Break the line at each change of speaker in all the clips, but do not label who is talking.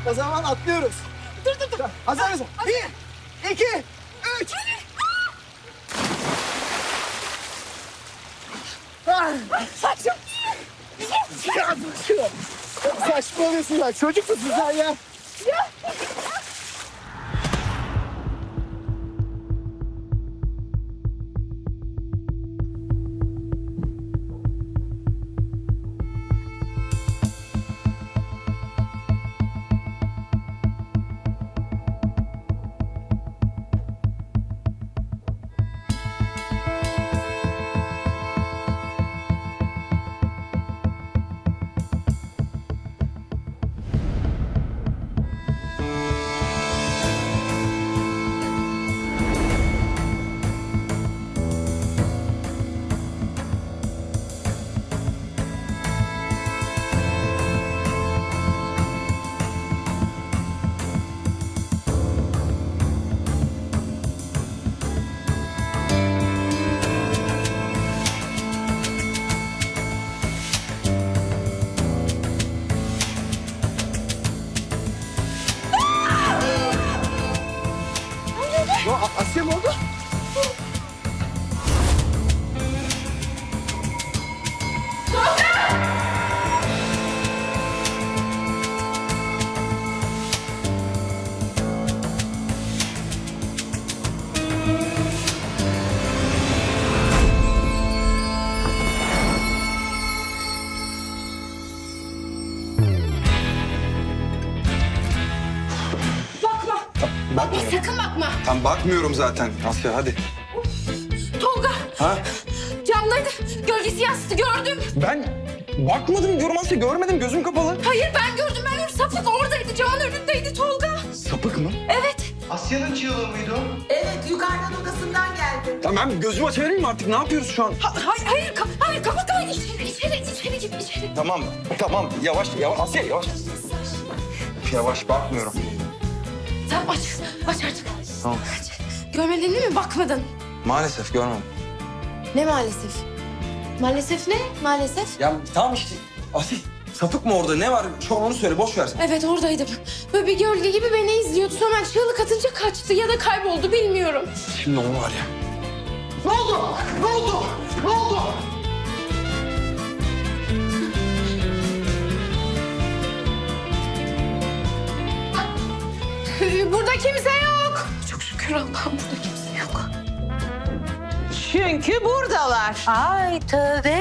O zaman atlıyoruz. Dur. Hazır mısın? 1, 2, 3.
Saçım.
Saçmalıyorsun bak. Çocuk musun sen ya? Asya mı oldu?
Bakma sakın bakma.
Tam bakmıyorum zaten Asya, hadi.
Tolga.
Ha?
Camdaydı. Gölgesi yansıdı gördüm.
Ben bakmadım diyorum Asya, görmedim, gözüm kapalı.
Hayır ben gördüm. Sapık oradaydı. Camın önündeydi Tolga.
Sapık mı?
Evet.
Asya'nın çığlığı mıydı o?
Evet, yukarıdan odasından geldi.
Tamam, ben gözümü açabilir miyim artık? Ne yapıyoruz şu an?
Hayır kapat. İçeri git içeri.
Tamam, yavaş, Asya yavaş. Yavaş, bakmıyorum.
Tamam aç artık.
Tamam.
Görmedin değil mi? Bakmadın.
Maalesef görmedim.
Ne maalesef? Maalesef ne? Maalesef.
Ya tamam işte, Asya sapık mı orada? Ne var? Şu an onu söyle, boş ver.
Evet oradaydım. Böyle bir gölge gibi beni izliyordu. Sonra ben çığlık atınca kaçtı ya da kayboldu bilmiyorum.
Şimdi onu var ya.
Ne oldu?
Burada kimse yok. Çok şükür Allah'ım burada kimse yok.
Çünkü buradalar.
Ay tövbe.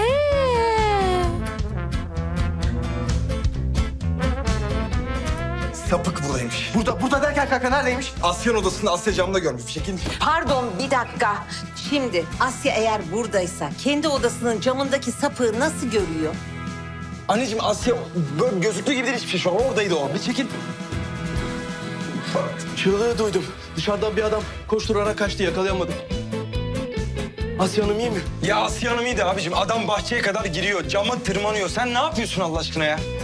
Sapık buradaymış.
Burada derken kanka neredeymiş?
Asya'nın odasında, Asya camda görmüş. Bir şekilde.
Pardon, bir dakika. Şimdi Asya eğer buradaysa kendi odasının camındaki sapığı nasıl görüyor?
Anneciğim, Asya böyle gözüktüğü gibi değil hiçbir şey. Şu an oradaydı o. Bir çekil.
Çığlığı duydum. Dışarıdan bir adam koşturarak kaçtı, yakalayamadım. Asya Hanım iyi mi?
Ya Asya Hanım iyiydi abicim. Adam bahçeye kadar giriyor. Cama tırmanıyor. Sen ne yapıyorsun Allah aşkına ya?